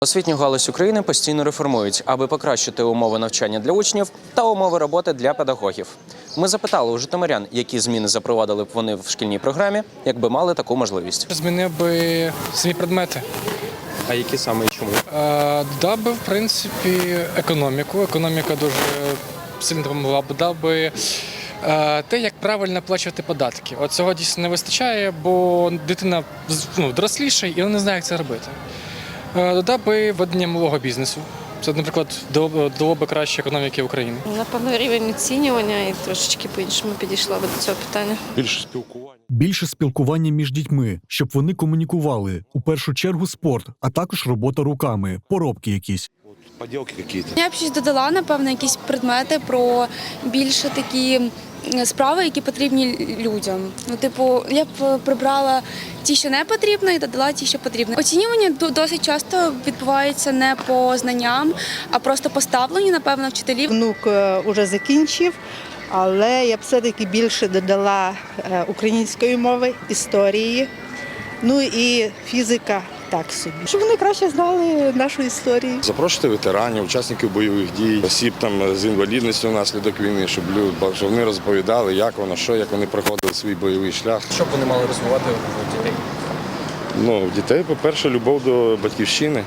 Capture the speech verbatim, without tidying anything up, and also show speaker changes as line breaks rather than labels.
Освітню галузь України постійно реформують, аби покращити умови навчання для учнів та умови роботи для педагогів. Ми запитали у житомирян, які зміни запровадили б вони в шкільній програмі, якби мали таку можливість.
Змінив би самі предмети.
А які саме і чому?
Е, Дав би, в принципі, економіку. Економіка дуже сильно допомогла б. Дав би е, те, як правильно оплачувати податки. От цього дійсно не вистачає, бо дитина ну, доросліша і вона не знає, як це робити. Е, Додав би ведення малого бізнесу. Це, наприклад, дало би краще економіки України.
Напевно, рівень оцінювання і трошечки по-іншому підійшла би до цього питання.
Більше спілкування.
Більше спілкування між дітьми, щоб вони комунікували. У першу чергу спорт, а також робота руками, поробки якісь.
Поділки якісь.
Я б щось додала, напевно, якісь предмети про більше такі справи, які потрібні людям. Ну, типу, я б прибрала ті, що не потрібно, і додала ті, що потрібно. Оцінювання досить часто відбувається не по знанням, а просто по ставленню, напевно, вчителів.
Внук вже закінчив, але я б все-таки більше додала української мови, історії, ну і фізика. Так собі, щоб вони краще знали нашу історію.
Запрошувати ветеранів, учасників бойових дій, осіб там з інвалідністю внаслідок війни, щоб люди, щоб вони розповідали, як воно, що, як вони проходили свій бойовий шлях.
Що б вони мали розвивати у дітей?
Ну, в дітей, по-перше, любов до батьківщини,